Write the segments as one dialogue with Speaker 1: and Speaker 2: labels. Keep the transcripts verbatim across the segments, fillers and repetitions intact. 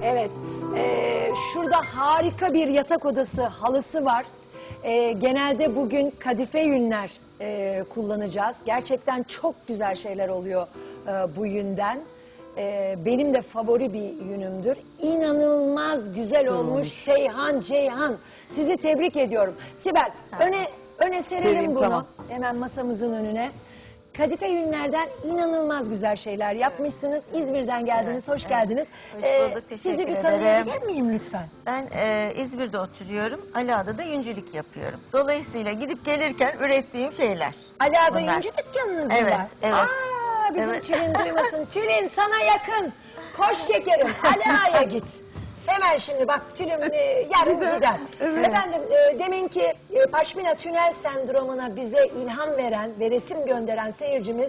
Speaker 1: Evet. Ee, şurada harika bir yatak odası halısı var. Ee, genelde bugün kadife yünler e, kullanacağız. Gerçekten çok güzel şeyler oluyor e, bu yünden. E, benim de favori bir yünümdür. İnanılmaz güzel olmuş,
Speaker 2: olmuş.
Speaker 1: Seyhan Ceyhan. Sizi tebrik ediyorum. Sibel, öne öne serelim
Speaker 2: Sereyim,
Speaker 1: bunu.
Speaker 2: tamam.
Speaker 1: Hemen masamızın önüne. Kadife yünlerden inanılmaz güzel şeyler yapmışsınız. İzmir'den geldiniz,
Speaker 3: Evet,
Speaker 1: hoş
Speaker 3: evet.
Speaker 1: geldiniz.
Speaker 3: Hoş
Speaker 1: Ee,
Speaker 3: bulduk,
Speaker 1: sizi
Speaker 3: teşekkür
Speaker 1: bir
Speaker 3: ederim.
Speaker 1: tanıyabilir miyim lütfen?
Speaker 3: Ben e, İzmir'de oturuyorum. Aliağa'da da yüncülük yapıyorum. Dolayısıyla gidip gelirken ürettiğim şeyler.
Speaker 1: Ali Ağa'da
Speaker 3: bunlar.
Speaker 1: yüncü dükkanınız mı
Speaker 3: Evet,
Speaker 1: var?
Speaker 3: evet.
Speaker 1: Aa, bizim
Speaker 3: Evet.
Speaker 1: Tülin duymasın. Tülin sana yakın. Koş şekerim, Ali Ağa'ya git. Hemen şimdi bak Tülin e, yarın gider. Efendim e, deminki e, Paşmina tünel sendromuna bize ilham veren ve resim gönderen seyircimiz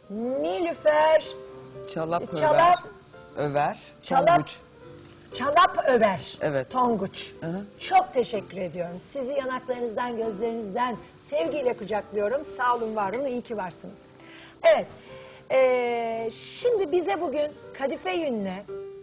Speaker 1: Nilüfer
Speaker 2: Çalap,
Speaker 1: Çalap-
Speaker 2: över, över,
Speaker 1: Çalap-
Speaker 2: Tonguç.
Speaker 1: Çalap Över,
Speaker 2: Evet.
Speaker 1: Tonguç.
Speaker 2: Hı hı.
Speaker 1: Çok teşekkür ediyorum. Sizi yanaklarınızdan, gözlerinizden sevgiyle kucaklıyorum. Sağ olun, var olun, iyi ki varsınız. Evet, ee, şimdi bize bugün kadife yünle,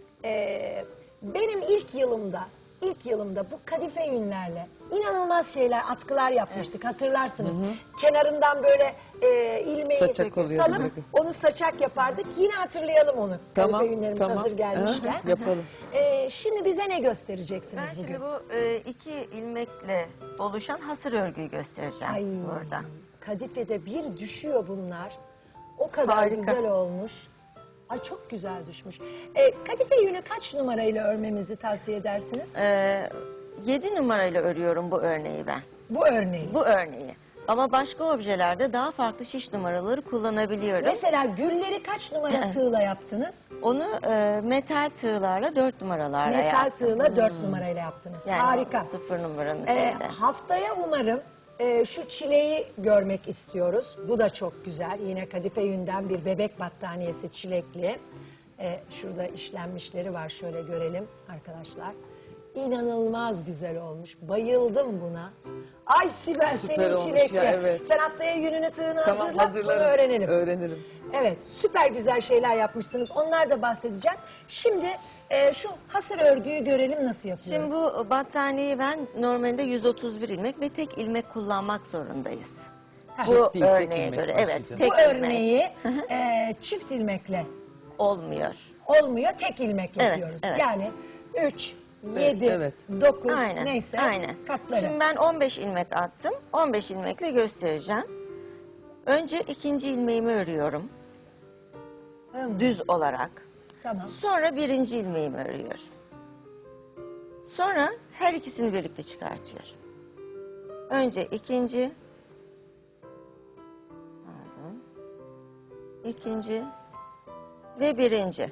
Speaker 1: ee, benim ilk yılımda, ilk yılımda bu kadife yünlerle inanılmaz şeyler, atkılar yapmıştık, hatırlarsınız. Kenarından böyle ee, ilmeği
Speaker 2: Saçak oluyordu.
Speaker 1: salıp onu saçak yapardık. Yine hatırlayalım onu.
Speaker 2: Tamam,
Speaker 1: Kadife yünlerimiz
Speaker 2: tamam.
Speaker 1: hazır gelmişken.
Speaker 2: Aha, yapalım.
Speaker 1: Ee, şimdi bize ne göstereceksiniz
Speaker 3: Ben
Speaker 1: bugün?
Speaker 3: şimdi bu e, iki ilmekle oluşan hasır örgüyü göstereceğim
Speaker 1: Ay,
Speaker 3: burada.
Speaker 1: kadifede bir düşüyor bunlar. O kadar
Speaker 3: Harika.
Speaker 1: güzel olmuş. Ay çok güzel düşmüş. Ee, kadife yünü kaç numarayla örmemizi tavsiye edersiniz?
Speaker 3: E, yedi numarayla örüyorum bu örneği ben.
Speaker 1: Bu örneği.
Speaker 3: Bu örneği. Ama başka objelerde daha farklı şiş numaraları kullanabiliyorum.
Speaker 1: Mesela gülleri kaç numara tığla yaptınız?
Speaker 3: Onu e, metal tığlarla dört numaralarla
Speaker 1: Metal
Speaker 3: yaptım.
Speaker 1: tığla dört numarayla yaptınız.
Speaker 3: Yani
Speaker 1: Harika.
Speaker 3: sıfır numaranın
Speaker 1: Ee,
Speaker 3: şeyde.
Speaker 1: haftaya umarım e, şu çileği görmek istiyoruz. Bu da çok güzel. Yine kadife yünden bir bebek battaniyesi çilekli. Ee, şurada işlenmişleri var. Şöyle görelim arkadaşlar. İnanılmaz güzel olmuş. Bayıldım buna. Ay Sibel
Speaker 2: Süper
Speaker 1: senin
Speaker 2: olmuş
Speaker 1: çilekli.
Speaker 2: ya, evet.
Speaker 1: Sen haftaya yününü tığını
Speaker 2: Tamam,
Speaker 1: hazırla. Bunu
Speaker 2: hazırlarım.
Speaker 1: öğrenelim.
Speaker 2: Öğrenirim.
Speaker 1: Evet, süper güzel şeyler yapmışsınız. Onlar da bahsedeceğim. Şimdi e, şu hasır örgüyü görelim nasıl yapıyoruz.
Speaker 3: Şimdi bu battaniyeyi ben normalde yüz otuz bir ilmek ve tek ilmek kullanmak zorundayız.
Speaker 1: Ha,
Speaker 3: Bu
Speaker 2: Çift değil, tek
Speaker 3: örneğe
Speaker 2: ilmek
Speaker 3: göre evet
Speaker 2: başlayacağım.
Speaker 3: tek
Speaker 1: Bu
Speaker 3: ilmek
Speaker 1: örneği e, çift ilmekle
Speaker 3: olmuyor.
Speaker 1: olmuyor, tek ilmek
Speaker 3: Evet,
Speaker 1: yapıyoruz.
Speaker 3: evet.
Speaker 1: Yani üç, yedi,
Speaker 2: evet.
Speaker 1: dokuz
Speaker 3: Aynen.
Speaker 1: neyse
Speaker 3: Aynen.
Speaker 1: katları.
Speaker 3: Şimdi ben on beş ilmek attım. on beş ilmekle göstereceğim. Önce ikinci ilmeğimi örüyorum
Speaker 1: Hı,
Speaker 3: düz olarak.
Speaker 1: Tamam.
Speaker 3: Sonra birinci ilmeğimi örüyorum. Sonra her ikisini birlikte çıkartıyorum. Önce ikinci, pardon, ikinci ve birinci.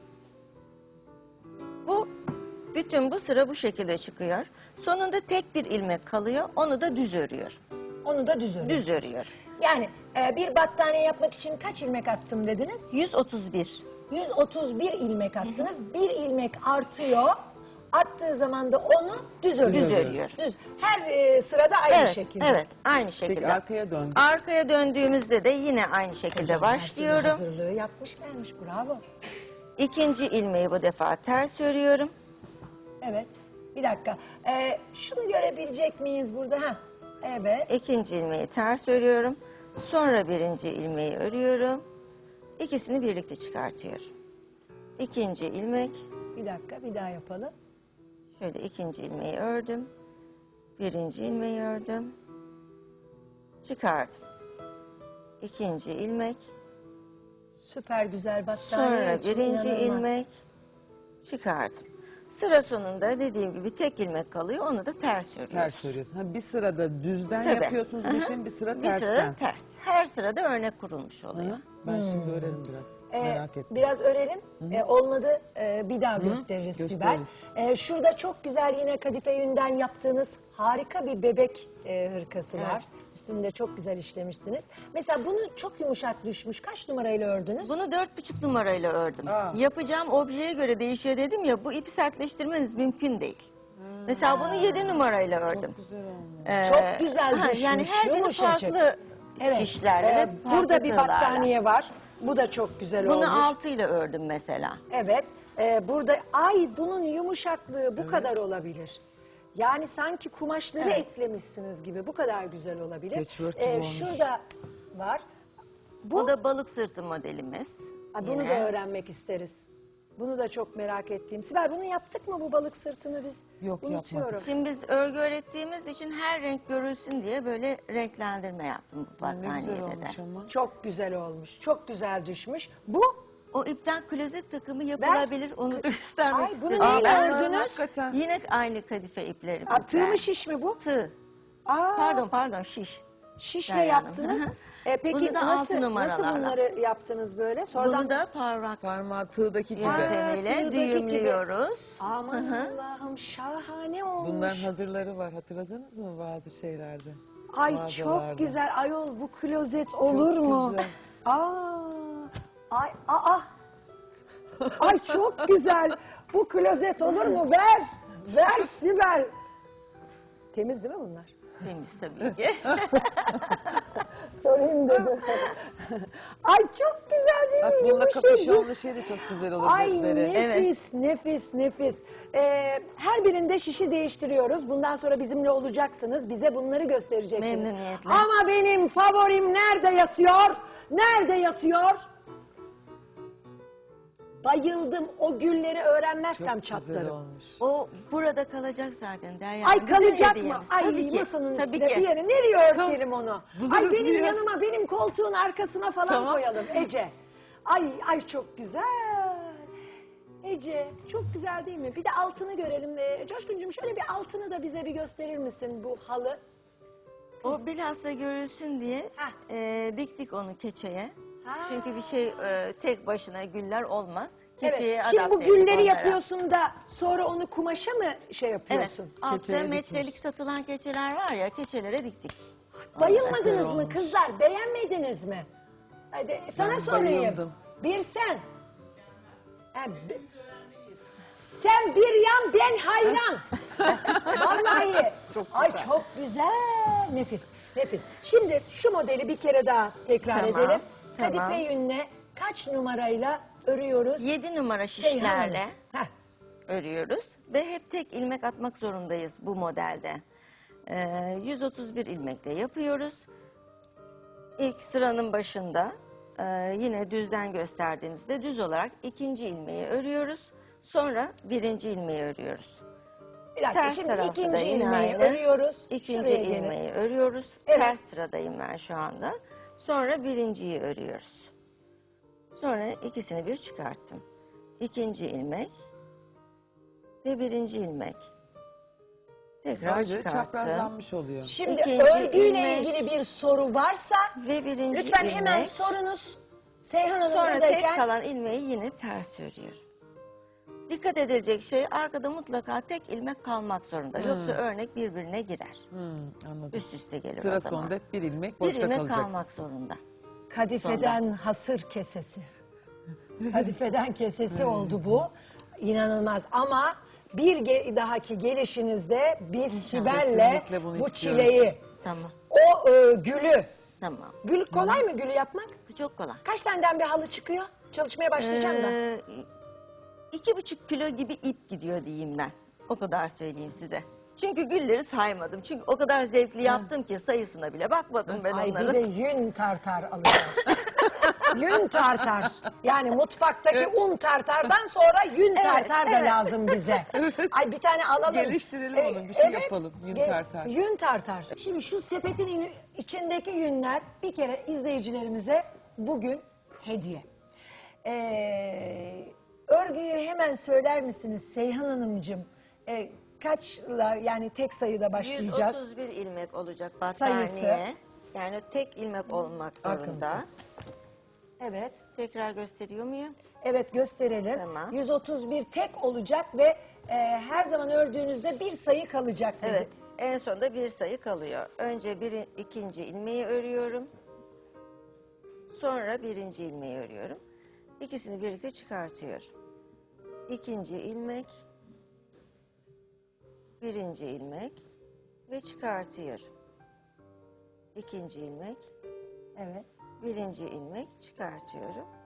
Speaker 3: Bu bütün bu sıra bu şekilde çıkıyor. Sonunda tek bir ilmek kalıyor. Onu da düz örüyorum.
Speaker 1: Onu da düz örüyoruz.
Speaker 3: Düz örüyorum.
Speaker 1: Yani e, bir battaniye yapmak için kaç ilmek attım dediniz?
Speaker 3: yüz otuz bir.
Speaker 1: yüz otuz bir ilmek attınız. Bir ilmek artıyor. Attığı zaman da onu düz örüyoruz.
Speaker 3: Düz örüyor.
Speaker 1: Düz. Her e, sırada aynı
Speaker 3: Evet,
Speaker 1: şekilde.
Speaker 3: evet, aynı şekilde.
Speaker 2: Peki arkaya dön.
Speaker 3: Arkaya döndüğümüzde de yine aynı şekilde
Speaker 1: Her türlü
Speaker 3: başlıyorum.
Speaker 1: hazırlığı yapmış gelmiş. Bravo.
Speaker 3: İkinci ilmeği bu defa ters örüyorum.
Speaker 1: Evet. Bir dakika. Ee, şunu görebilecek miyiz burada? Ha. Evet.
Speaker 3: İkinci ilmeği ters örüyorum. Sonra birinci ilmeği örüyorum. İkisini birlikte çıkartıyorum. İkinci ilmek,
Speaker 1: Bir dakika. Bir daha yapalım.
Speaker 3: şöyle ikinci ilmeği ördüm. Birinci ilmeği ördüm. Çıkardım. İkinci ilmek,
Speaker 1: Süper güzel battaniye
Speaker 3: sonra
Speaker 1: için
Speaker 3: birinci
Speaker 1: inanılmaz.
Speaker 3: ilmek çıkardım. Sıra sonunda dediğim gibi tek ilmek kalıyor, onu da ters örüyoruz.
Speaker 2: Ters örüyorsun. Ha, bir sırada düzden
Speaker 3: Tabii.
Speaker 2: yapıyorsunuz bu işin, bir sıra
Speaker 3: Bir
Speaker 2: tersten.
Speaker 3: sıra ters. Her sırada örnek kurulmuş oluyor.
Speaker 2: Hı? Ben şimdi öğrenirim biraz.
Speaker 1: Ee,
Speaker 2: Merak ettim.
Speaker 1: Biraz örelim. Ee, olmadı ee, bir daha gösteririz Sibel.
Speaker 2: gösteririz.
Speaker 1: Ee, şurada çok güzel yine kadife yünden yaptığınız harika bir bebek e, hırkası
Speaker 3: Evet.
Speaker 1: var. Üstünde çok güzel işlemişsiniz. Mesela bunu çok yumuşak düşmüş. Kaç numarayla ördünüz?
Speaker 3: Bunu dört buçuk numarayla ördüm.
Speaker 2: Aa.
Speaker 3: Yapacağım objeye göre değişiyor dedim ya, bu ipi sertleştirmeniz mümkün değil. Mesela bunu yedi numarayla ördüm.
Speaker 2: Güzel olmuş.
Speaker 3: Ee,
Speaker 1: Çok güzel
Speaker 3: ha,
Speaker 1: düşmüş,
Speaker 3: yani her biri
Speaker 1: yumuşacık.
Speaker 3: farklı şişlerle
Speaker 1: Ee,
Speaker 3: ve farklı
Speaker 1: burada bir
Speaker 3: tığlarla.
Speaker 1: battaniye var. Bu da çok güzel
Speaker 3: Bunu
Speaker 1: olmuş.
Speaker 3: altıyla ördüm mesela.
Speaker 1: Evet. Ee, burada ay bunun yumuşaklığı bu kadar olabilir. Yani sanki kumaşları
Speaker 3: Evet.
Speaker 1: eklemişsiniz gibi. Bu kadar güzel olabilir.
Speaker 2: Patchwork gibi olmuş.
Speaker 1: Şurada var. Bu,
Speaker 3: Bu da balık sırtı modelimiz.
Speaker 1: Ay, bunu
Speaker 3: Yine.
Speaker 1: da öğrenmek isteriz. Bunu da çok merak ettiğim. Sibel bunu yaptık mı bu balık sırtını biz?
Speaker 2: Yok,
Speaker 1: Unutuyorum.
Speaker 2: yapmadık.
Speaker 3: Şimdi biz örgü öğrettiğimiz için her renk görülsün diye böyle renklendirme yaptım bu
Speaker 2: Ne güzel
Speaker 3: battaniyede de.
Speaker 2: olmuş ama.
Speaker 1: Çok güzel olmuş. Çok güzel düşmüş. Bu
Speaker 3: O ipten klozet takımı yapılabilir, onu da göstermek
Speaker 1: Ay, bunu
Speaker 3: istedim.
Speaker 1: neyle
Speaker 2: Aa,
Speaker 1: ördünüz?
Speaker 2: hakikaten.
Speaker 3: Yine aynı kadife ipleri
Speaker 1: Aa,
Speaker 3: bizde.
Speaker 1: tığ mı şiş mi bu?
Speaker 3: Tığ.
Speaker 1: Aa,
Speaker 3: Pardon pardon şiş.
Speaker 1: şişle
Speaker 3: Derya Hanım.
Speaker 1: yaptınız.
Speaker 3: Hı hı.
Speaker 1: E, peki
Speaker 3: Bunu da
Speaker 1: nasıl,
Speaker 3: altı
Speaker 1: nasıl
Speaker 3: numaralarla.
Speaker 1: bunları yaptınız böyle? Sonradan
Speaker 3: Bunu da parmak
Speaker 2: Parmağı tığdaki gibi.
Speaker 3: yöntemiyle
Speaker 1: tığdaki
Speaker 3: düğümlüyoruz.
Speaker 1: Aman Allah'ım şahane olmuş.
Speaker 2: Bunların hazırları var. Hatırladınız mı bazı şeylerde?
Speaker 1: Ay
Speaker 2: Mağazalarda.
Speaker 1: çok güzel. Ayol bu klozet olur mu?
Speaker 2: güzel.
Speaker 1: Aa, ay, aa. Ay çok güzel. Bu klozet olur mu? Ver. Ver Sibel. Temiz değil mi bunlar?
Speaker 3: Temiz tabii ki.
Speaker 1: Sorayım dedim. Ay çok güzel değil
Speaker 2: Bak
Speaker 1: mi?
Speaker 2: bununla
Speaker 1: Yumuşacık.
Speaker 2: kapüşonlu şey de çok güzel olur.
Speaker 1: Ay
Speaker 2: böyle.
Speaker 1: nefis, nefis, nefis. Ee, her birinde şişi değiştiriyoruz. Bundan sonra bizimle olacaksınız. Bize bunları göstereceksiniz.
Speaker 3: Memnuniyetle.
Speaker 1: Ama benim favorim nerede yatıyor? Nerede yatıyor? Bayıldım. O gülleri öğrenmezsem
Speaker 2: Çok güzel
Speaker 1: çatlarım.
Speaker 2: olmuş.
Speaker 3: O burada kalacak zaten Derya
Speaker 1: Ay
Speaker 3: Hanım. Bizim
Speaker 1: kalacak mı?
Speaker 3: hediyemiz.
Speaker 1: Ay
Speaker 3: Tabii ki,
Speaker 1: masanın
Speaker 3: tabii
Speaker 1: üstüne
Speaker 3: ki.
Speaker 1: bir yere. Nereye örtelim onu?
Speaker 2: Buluruz
Speaker 1: Ay benim
Speaker 2: bir yer.
Speaker 1: yanıma, benim koltuğun arkasına falan
Speaker 2: Tamam.
Speaker 1: koyalım Ece. Ay ay çok güzel. Ece çok güzel değil mi? Bir de altını görelim. Ee, Coşkuncuğum şöyle bir altını da bize bir gösterir misin bu halı?
Speaker 3: O bilhassa görülsün diye
Speaker 1: Heh.
Speaker 3: e, diktik onu keçeye.
Speaker 1: Ha.
Speaker 3: Çünkü bir şey e, tek başına güller olmaz. Keçeye
Speaker 1: Evet. Şimdi bu
Speaker 3: adapte ettik
Speaker 1: gülleri
Speaker 3: onlara.
Speaker 1: yapıyorsun da sonra onu kumaşa mı şey
Speaker 3: Evet.
Speaker 1: yapıyorsun?
Speaker 3: Altta
Speaker 2: Keçeye
Speaker 3: metrelik
Speaker 2: dikmiş.
Speaker 3: satılan keçeler var ya, keçelere diktik.
Speaker 1: Bayılmadınız
Speaker 2: Süper
Speaker 1: mı
Speaker 2: olmuş.
Speaker 1: kızlar? Beğenmediniz mi? Hadi sana
Speaker 2: Ben
Speaker 1: sorayım.
Speaker 2: bayıldım.
Speaker 1: Bir sen. Ha, bi- sen bir yan ben hayran. Vallahi.
Speaker 2: Çok
Speaker 1: Ay
Speaker 2: güzel.
Speaker 1: çok güzel. Nefis. Nefis. Şimdi şu modeli bir kere daha tekrar
Speaker 3: Tamam,
Speaker 1: edelim.
Speaker 3: tamam.
Speaker 1: Kadife yünle kaç numarayla örüyoruz?
Speaker 3: yedi numara
Speaker 1: Seyhan
Speaker 3: şişlerle
Speaker 1: Hanım. Heh.
Speaker 3: örüyoruz ve hep tek ilmek atmak zorundayız bu modelde. Ee, yüz otuz bir ilmekle yapıyoruz. İlk sıranın başında e, yine düzden gösterdiğimizde düz olarak ikinci ilmeği örüyoruz. Sonra birinci ilmeği örüyoruz.
Speaker 1: Bir dakika
Speaker 3: Ters
Speaker 1: şimdi
Speaker 3: tarafta da
Speaker 1: ikinci
Speaker 3: yine
Speaker 1: ilmeği
Speaker 3: aynı.
Speaker 1: örüyoruz.
Speaker 3: İkinci
Speaker 1: Şuraya gelin.
Speaker 3: ilmeği örüyoruz.
Speaker 1: Evet.
Speaker 3: Ters sıradayım ben şu anda. Sonra birinciyi örüyoruz. Sonra ikisini bir çıkarttım. İkinci ilmek ve birinci ilmek. Tekrar
Speaker 2: Böylece
Speaker 3: çıkarttım.
Speaker 2: çaprazlanmış oluyor.
Speaker 1: Şimdi
Speaker 3: İkinci
Speaker 1: örgüyle
Speaker 3: ilmek.
Speaker 1: ilgili bir soru varsa
Speaker 3: Ve birinci
Speaker 1: lütfen
Speaker 3: ilmek.
Speaker 1: hemen sorunuz. Seyhan Hanım
Speaker 3: Sonra
Speaker 1: buradayken
Speaker 3: tek kalan ilmeği yine ters örüyorum. Dikkat edilecek şey, arkada mutlaka tek ilmek kalmak zorunda. Yoksa örnek birbirine girer.
Speaker 2: Hmm, anladım.
Speaker 3: Üst üste gelir
Speaker 2: Sıra
Speaker 3: o zaman.
Speaker 2: sonunda hep bir ilmek
Speaker 3: Bir
Speaker 2: boşta
Speaker 3: ilmek
Speaker 2: kalacak.
Speaker 3: kalmak zorunda.
Speaker 1: kadifeden hasır kesesi. Kadifeden kesesi oldu bu. İnanılmaz ama bir ge- dahaki gelişinizde biz Sibel'le
Speaker 2: Kesinlikle bunu
Speaker 1: bu
Speaker 2: istiyoruz.
Speaker 1: çileyi,
Speaker 3: Tamam.
Speaker 1: o e, gülü,
Speaker 3: Tamam.
Speaker 1: gül kolay mı gülü yapmak?
Speaker 3: Bu çok kolay.
Speaker 1: Kaç taneden bir halı çıkıyor? Çalışmaya başlayacağım da.
Speaker 3: Ee, iki buçuk kilo gibi ip gidiyor diyeyim ben. O kadar söyleyeyim size. Çünkü gülleri saymadım. Çünkü o kadar zevkli yaptım ki sayısına bile bakmadım ben
Speaker 1: Ay bir
Speaker 3: onların.
Speaker 1: de yün tartar alacağız. Yün tartar. Yani mutfaktaki un tartardan sonra yün
Speaker 3: Evet,
Speaker 1: tartar da
Speaker 3: evet.
Speaker 1: lazım bize. Ay bir tane alalım.
Speaker 2: Geliştirelim
Speaker 1: Ee,
Speaker 2: onu, bir şey yapalım. Yün
Speaker 1: ge-
Speaker 2: tartar.
Speaker 1: Yün tartar. Şimdi şu sepetin in- içindeki yünler bir kere izleyicilerimize bugün hediye. Ee, örgüyü hemen söyler misiniz Seyhan Hanımcığım? Ee, kaçla yani tek sayıda başlayacağız.
Speaker 3: yüz otuz bir ilmek olacak
Speaker 1: Sayısı.
Speaker 3: battaniye. Yani tek ilmek olmak zorunda.
Speaker 2: Arkamızda.
Speaker 1: Evet.
Speaker 3: Tekrar gösteriyor muyum?
Speaker 1: Evet gösterelim.
Speaker 3: Tamam.
Speaker 1: yüz otuz bir tek olacak ve e, her zaman ördüğünüzde bir sayı kalacak. dedi.
Speaker 3: Evet. En sonunda bir sayı kalıyor. Önce bir, ikinci ilmeği örüyorum. Sonra birinci ilmeği örüyorum. İkisini birlikte çıkartıyorum. İkinci ilmek, birinci ilmek ve çıkartıyorum. İkinci ilmek,
Speaker 1: Evet.
Speaker 3: birinci ilmek çıkartıyorum.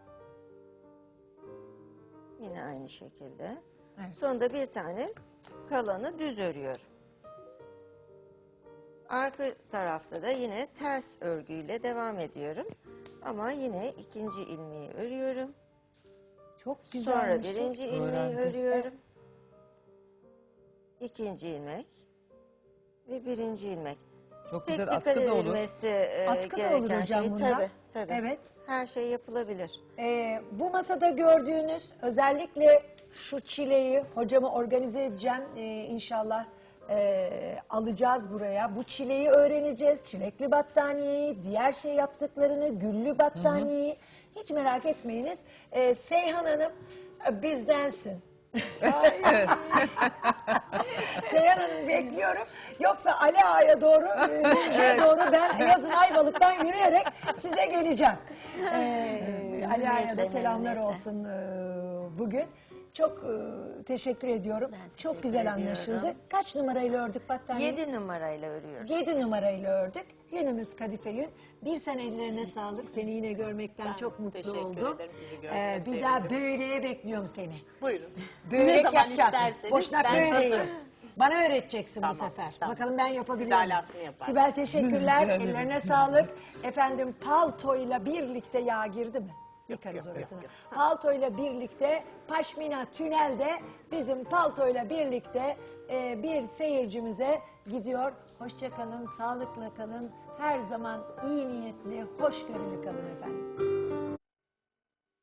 Speaker 3: Yine aynı şekilde.
Speaker 1: Evet.
Speaker 3: Sonunda bir tane kalanı düz örüyorum. Arka tarafta da yine ters örgüyle devam ediyorum. Ama yine ikinci ilmeği örüyorum.
Speaker 1: Çok
Speaker 3: Sonra
Speaker 1: güzelmiş.
Speaker 3: birinci
Speaker 1: çok-
Speaker 3: ilmeği
Speaker 2: Öğrendim.
Speaker 3: örüyorum. İkinci ilmek ve birinci ilmek.
Speaker 2: Çok
Speaker 3: Tek
Speaker 2: güzel
Speaker 3: dikkat
Speaker 2: atkı da olur.
Speaker 3: edilmesi e,
Speaker 1: Atkı da olur
Speaker 3: gereken
Speaker 1: hocam
Speaker 3: şey.
Speaker 1: bunda.
Speaker 3: Tabii, tabii.
Speaker 1: Evet.
Speaker 3: Her şey yapılabilir.
Speaker 1: Ee, bu masada gördüğünüz özellikle şu çileyi hocama organize edeceğim. Ee, inşallah e, alacağız buraya. Bu çileyi öğreneceğiz. Çilekli battaniyeyi, diğer şey yaptıklarını, güllü battaniyeyi. Hiç merak etmeyiniz. Ee, Seyhan Hanım e, bizdensin. Ay. Seyhan Hanım bekliyorum. Yoksa Ali Ağa'ya doğru, e, Düzce'ye doğru ben yazın Ayvalık'tan yürüyerek size geleceğim. Ee, Ali Ağa'ya da
Speaker 3: Memnuniyetle,
Speaker 1: selamlar
Speaker 3: memnuniyetle.
Speaker 1: olsun e, bugün. Çok e, teşekkür ediyorum.
Speaker 3: Ben
Speaker 1: Çok
Speaker 3: teşekkür
Speaker 1: güzel
Speaker 3: ediyorum.
Speaker 1: anlaşıldı. Kaç numarayla ördük battaniyeyi?
Speaker 3: Yedi numarayla örüyoruz.
Speaker 1: Yedi numarayla ördük. Yünümüz kadife yün. Bir sen ellerine sağlık. Seni yine görmekten
Speaker 4: Ben
Speaker 1: çok mutlu
Speaker 4: teşekkür
Speaker 1: oldum.
Speaker 4: ederim. Sizi gördüğüme
Speaker 1: Ee, bir
Speaker 4: sevindim.
Speaker 1: daha böreğe bekliyorum seni.
Speaker 4: Buyurun.
Speaker 1: Börek
Speaker 4: Ne zaman
Speaker 1: yapacağız.
Speaker 4: isterseniz
Speaker 1: Boşnak
Speaker 4: ben
Speaker 1: böreği.
Speaker 4: hazırım.
Speaker 1: Bana öğreteceksin
Speaker 4: Tamam,
Speaker 1: bu sefer.
Speaker 4: tamam.
Speaker 1: Bakalım ben yapabiliyor
Speaker 4: Siz
Speaker 1: muyum?
Speaker 4: alasını yaparsınız.
Speaker 1: Sibel teşekkürler.
Speaker 2: Rica ederim.
Speaker 1: Ellerine sağlık. Efendim paltoyla birlikte yağ girdi mi? Yıkarız
Speaker 4: yok,
Speaker 1: orasını.
Speaker 4: yok,
Speaker 1: Paltoyla birlikte Paşmina Tünel'de bizim paltoyla birlikte e, bir seyircimize gidiyor. Hoşça kalın, sağlıkla kalın. Her zaman iyi niyetli, hoşgörülü kalın efendim.